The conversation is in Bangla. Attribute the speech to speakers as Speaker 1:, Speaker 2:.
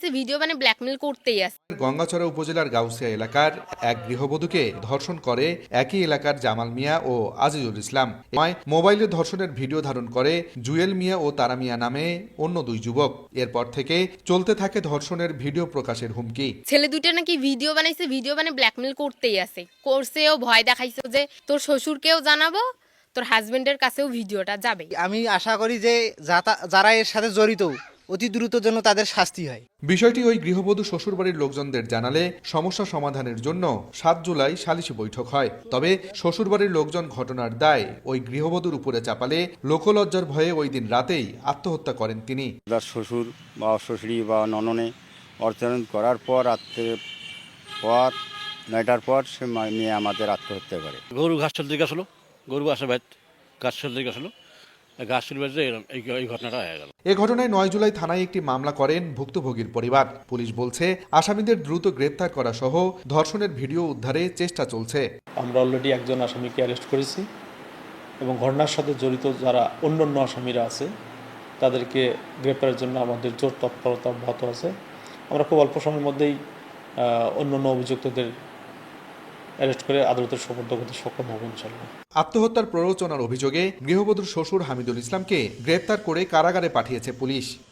Speaker 1: ভিডিও মানে ব্ল্যাকমেল করতেই আছে।
Speaker 2: গঙ্গাচড়া উপজেলার গাউসিয়া এলাকার এক গৃহবধূকে ধর্ষণ করে একই এলাকার জামাল মিয়া ও আজিজুল ইসলাম। মোবাইলে ধর্ষণের ভিডিও ধারণ করে জুয়েল মিয়া ও তারা মিয়া নামে অন্য দুই যুবক। এরপর থেকে চলতে থাকে ধর্ষণের ভিডিও প্রকাশের হুমকি।
Speaker 1: ছেলে দুইটা নাকি ভিডিও বানাইছে, ভিডিও মানে ব্ল্যাকমেল করতেই আছে, করছেও, ভয় দেখাইছে যে তোর শ্বশুরকেও জানাবো, তোর হাজবেন্ডের কাছেও ভিডিওটা যাবে।
Speaker 3: আমি আশা করি যে যারা এর সাথে জড়িত অতি দ্রুত যেন তাদের শাস্তি হয়।
Speaker 2: বিষয়টি ওই গৃহবধূ শ্বশুরবাড়ির লোকজনদের জানালে সমস্যা সমাধানের জন্য ৭ জুলাই সালিশি বৈঠক হয়। তবে শ্বশুরবাড়ির লোকজন ঘটনার দায় ওই গৃহবধূর উপরে চাপালে লোকলজ্জার ভয়ে ওই দিন রাতেই আত্মহত্যা করেন তিনি।
Speaker 4: তার শ্বশুর বা শ্বশুরি বা নননে অর্থায়ন করার পর রাত্রের পর ৯টার পর সে মেয়ে আমাদের আত্মহত্যা করে।
Speaker 5: গরু ঘাস চলতে গেছিলো, গরু আসে ভাই ঘাস চলতে গেছিলো, ঘাস চলবে যে এই ঘটনাটা হয়ে গেল।
Speaker 2: এ ঘটনায় ৯ জুলাই থানায় একটি মামলা করেন ভুক্তভোগীর পরিবার। পুলিশ বলছে আসামিদের দ্রুত গ্রেপ্তার করা সহ ধর্ষণের ভিডিও উদ্ধারে চেষ্টা চলছে।
Speaker 6: আমরা অলরেডি একজন আসামিকে অ্যারেস্ট করেছি এবং ঘটনার সাথে জড়িত যারা অন্যান্য আসামিরা আছে তাদেরকে গ্রেপ্তারের জন্য আমাদের জোর তৎপরতা অব্যাহত আছে। আমরা খুব অল্প সময়ের মধ্যেই অন্যান্য অভিযুক্তদের অ্যারেস্ট করে আদালতের সোপর্দ করতে সক্ষম হব ইনশাল্লাহ।
Speaker 2: আত্মহত্যার প্ররোচনার অভিযোগে গৃহবধূর শ্বশুর হামিদুল ইসলামকে গ্রেপ্তার করে কারাগারে পাঠিয়েছে পুলিশ।